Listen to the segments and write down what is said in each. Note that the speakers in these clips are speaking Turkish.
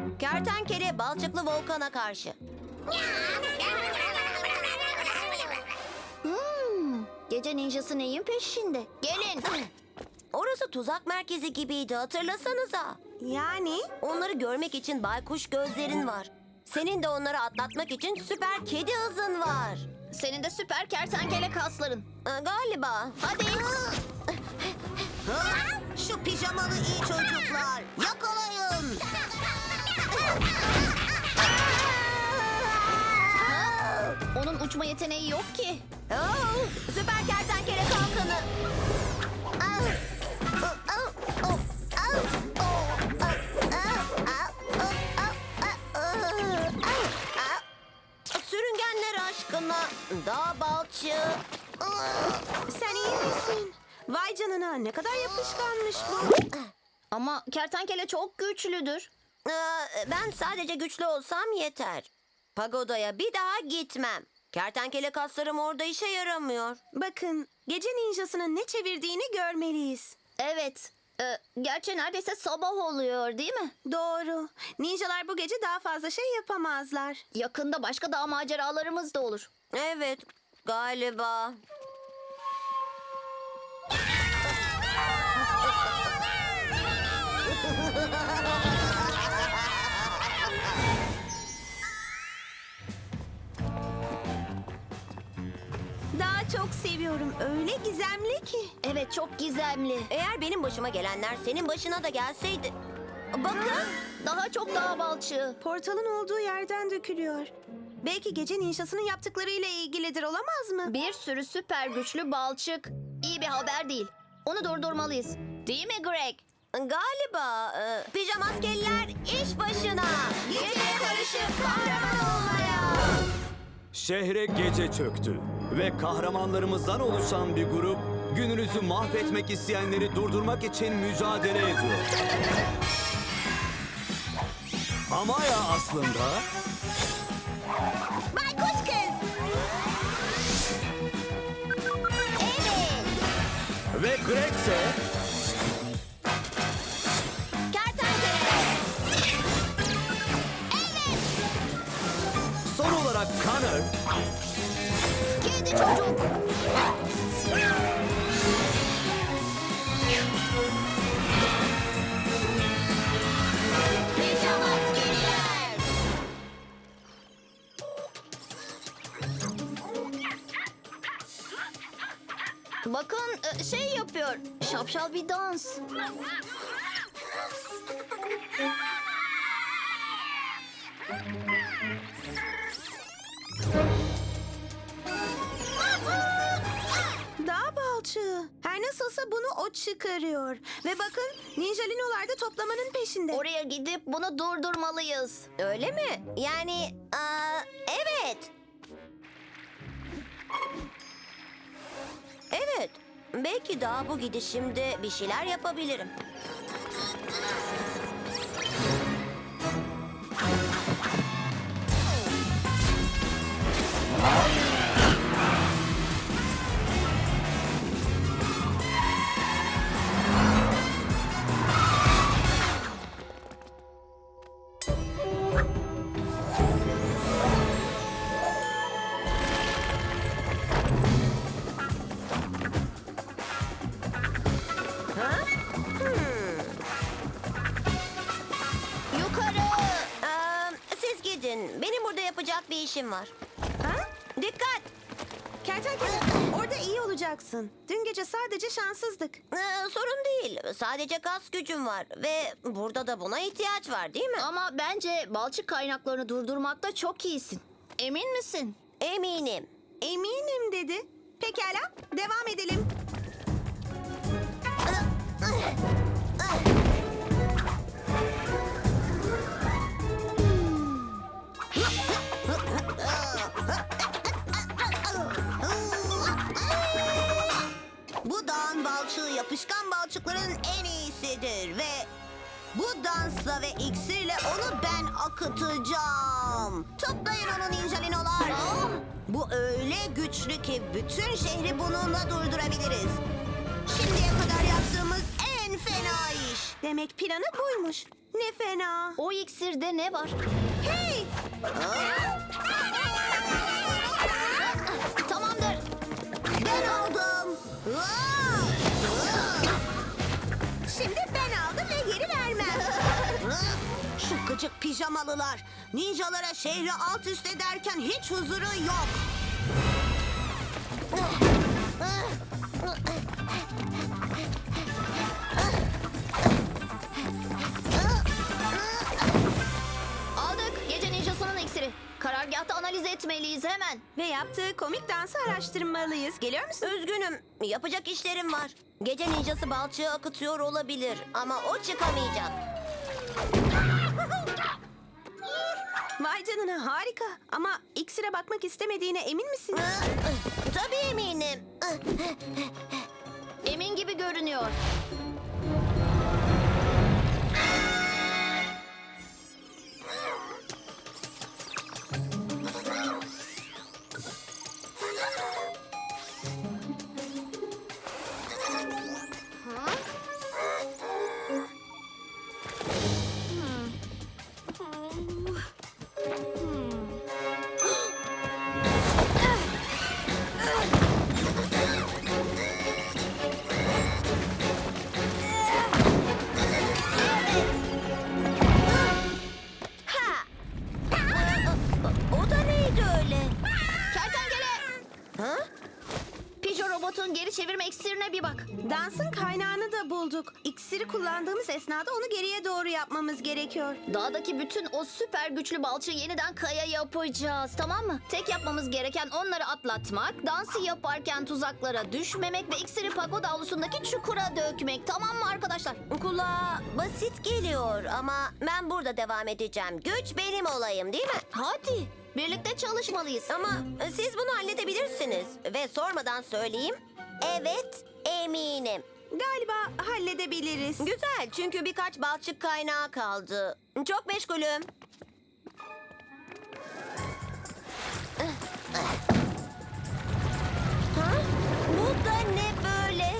Kertenkele balçıklı volkana karşı. Gece ninjası neyin peşinde? Gelin. Orası tuzak merkezi gibiydi, hatırlasanıza. Yani? Onları görmek için baykuş gözlerin var. Senin de onları atlatmak için süper kedi hızın var. Senin de süper kertenkele kasların. Galiba. Hadi. Şu pijamalı iyi çocuklar. Yakalayın. Onun uçma yeteneği yok ki. Süper kertenkele kalkanı. Sürüngenler aşkına. Dağ balçığı. Sen iyi misin? Vay canına, ne kadar yapışkanmış bu. Ama kertenkele çok güçlüdür. Ben sadece güçlü olsam yeter. Pagodaya bir daha gitmem. Kertenkele kaslarım orada işe yaramıyor. Bakın, gece ninjasının ne çevirdiğini görmeliyiz. Evet. Gerçi neredeyse sabah oluyor değil mi? Doğru. Ninjalar bu gece daha fazla şey yapamazlar. Yakında başka dağ maceralarımız da olur. Evet, galiba. Daha çok seviyorum. Öyle gizemli ki. Evet, çok gizemli. Eğer benim başıma gelenler senin başına da gelseydi. Bakın. Daha çok dağ balçığı. Portalın olduğu yerden dökülüyor. Belki gece ninjasının yaptıklarıyla ilgilidir, olamaz mı? Bir sürü süper güçlü balçık. İyi bir haber değil. Onu durdurmalıyız. Değil mi Greg? Galiba pijamaskeliler iş başına. Geceye karışıp kahraman olmaya. Şehre gece çöktü ve kahramanlarımızdan oluşan bir grup gününüzü mahvetmek isteyenleri durdurmak için mücadele ediyor. Amaya aslında Baykuş kız! Evet. ve Greg ise Kertenkele. son olarak Connor Kedi çocuk. Pijamaskeliler. Bakın şey yapıyor. Şapşal bir dans. Dağ balçığı. Her nasılsa bunu o çıkarıyor. Ve bakın, ninjalinolar da toplamanın peşinde. Oraya gidip bunu durdurmalıyız. Öyle mi? Yani evet. Evet. Belki daha bu gidişimde bir şeyler yapabilirim. Yukarı. Siz gidin. Benim burada yapacak bir işim var. Ha? Dikkat! Kertenkele, orada iyi olacaksın. Dün gece sadece şanssızdık. Sorun değil. Sadece kas gücüm var. Ve burada da buna ihtiyaç var, değil mi? Ama bence balçık kaynaklarını durdurmakta çok iyisin. Emin misin? Eminim. Eminim dedi. Pekala, devam edelim. Bu dağın balçığı yapışkan balçıkların en iyisidir ve bu dansla ve iksirle onu ben akıtacağım. Toplayın onu ninjalinolar. Bu öyle güçlü ki bütün şehri bununla durdurabiliriz. Şimdiye kadar yaptığımız en fena iş. Demek planı buymuş. Ne fena. O iksirde ne var? Hey! Tamamdır. Ben aldım. Şimdi ben aldım ve geri vermem. Şu gıcık pijamalılar. Ninjalara şehri alt üst ederken hiç huzuru yok. Aldık. Gece ninjasının iksiri. Karargahta analiz etmeliyiz hemen. Ve yaptığı komik dansı araştırmalıyız. Geliyor musun? Üzgünüm. Yapacak işlerim var. Gece ninjası balçığı akıtıyor olabilir ama o çıkamayacak. Vay canına harika. Ama iksire bakmak istemediğine emin misin? Tabii eminim. Emin gibi görünüyor. Ha! O da neydi öyle? Kertenkele! Ha? Pijo robotun geri çevirme iksirine bir bak. Dansın kaynağını da bulduk. İksiri kullandığımız esnada onu geriye doğru yapmamız gerekiyor. Dağdaki bütün o süper güçlü balçığı yeniden kaya yapacağız, tamam mı? Tek yapmamız gereken onları atlatmak, dansı yaparken tuzaklara düşmemek ve iksiri pagoda avlusundaki çukura dökmek, tamam mı arkadaşlar? Kulağa basit geliyor ama ben burada devam edeceğim. Güç benim olayım değil mi? Hadi, birlikte çalışmalıyız. Ama siz bunu halledebilirsiniz. Ve sormadan söyleyeyim. Evet, eminim. Galiba halledebiliriz. Güzel çünkü birkaç balçık kaynağı kaldı. Çok meşgulüm. Ha? Bu da ne böyle?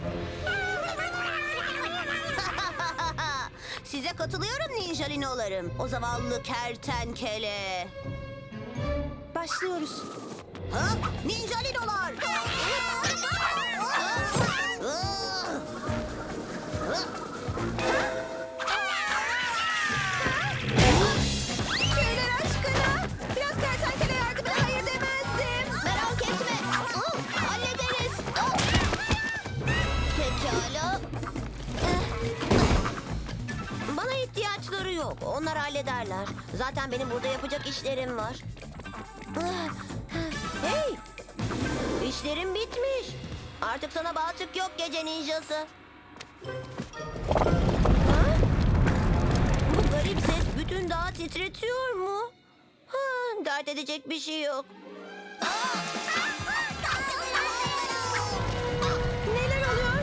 Size katılıyorum ninjalinolarım. O zavallı kertenkele. Başlıyoruz. Ha? Ninjalinolar! Tüyler aşkına. Biraz kertenkele yardımına hayır demezdim. Merak etme, hallederiz. Pekala. Bana ihtiyaçları yok. Onlar hallederler. Zaten benim burada yapacak işlerim var. Hey! İşlerim bitmiş. Artık sana balçık yok gece ninjası. Ha? Bu garip ses bütün dağı titretiyor mu? Ha, dert edecek bir şey yok. Neler oluyor?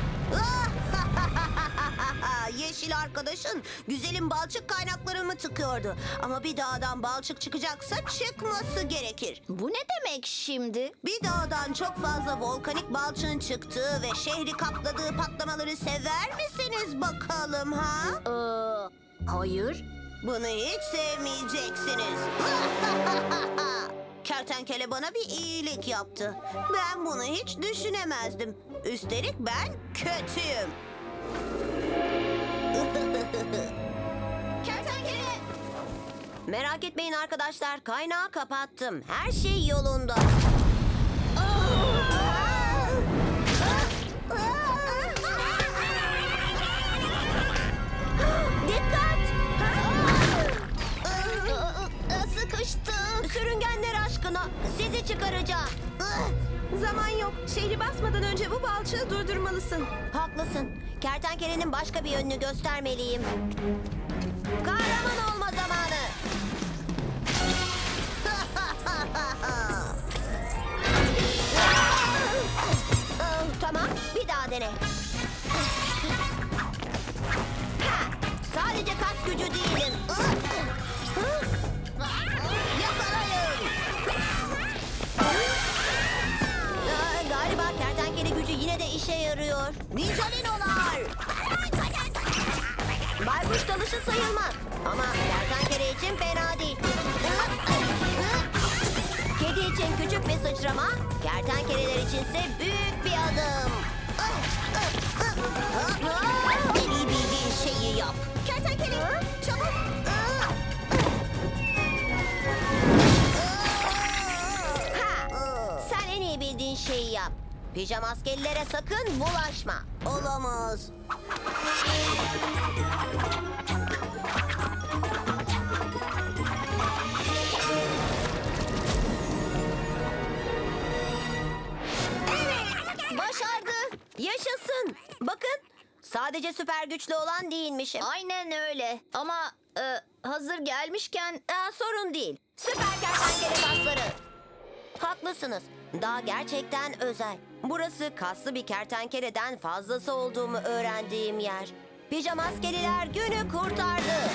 Yeşil arkadaşın güzelim balçık kaynaklarımı tıkıyordu. Ama bir dağdan balçık çıkacaksa çıkması gerekir. Bu ne demek şimdi? Bir dağdan çok fazla volkanik balçığın çıktığı ve şehri kapladığı patlamaları sever misiniz bakalım ha? Hayır. Bunu hiç sevmeyeceksiniz. Kertenkele bana bir iyilik yaptı. Ben bunu hiç düşünemezdim. Üstelik ben kötüyüm. Kertenkele! Merak etmeyin arkadaşlar. Kaynağı kapattım. Her şey yolunda. Dikkat! Sıkıştım. Sürüngenler aşkına sizi çıkaracağım. Zaman yok. Şehri basmadan önce bu balçığı durdurmalısın. Haklısın. Kertenkelenin başka bir yönünü göstermeliyim. Kahraman olma zamanı. Tamam, bir daha dene. Ha, sadece kas gücü değilim. Yakalayın. Galiba kertenkele gücü yine de işe yarıyor. Ninjalinolar. Baykuş dalışı sayılmaz. Ama kertenkele için fena değil. Kedi için küçük bir sıçrama, kertenkeleler içinse büyük bir adım. En iyi bildiğin şeyi yap. Kertenkele çabuk. Sen en iyi bildiğin şeyi yap. Pijamaskelilere sakın bulaşma. Olamaz. Başardı. Yaşasın. Bakın, sadece süper güçlü olan değilmişim. Aynen öyle. Ama hazır gelmişken Sorun değil. Süper kertenkele kasları. Haklısınız. Dağ gerçekten özel. Burası kaslı bir kertenkeleden fazlası olduğumu öğrendiğim yer. Pijamaskeliler günü kurtardı.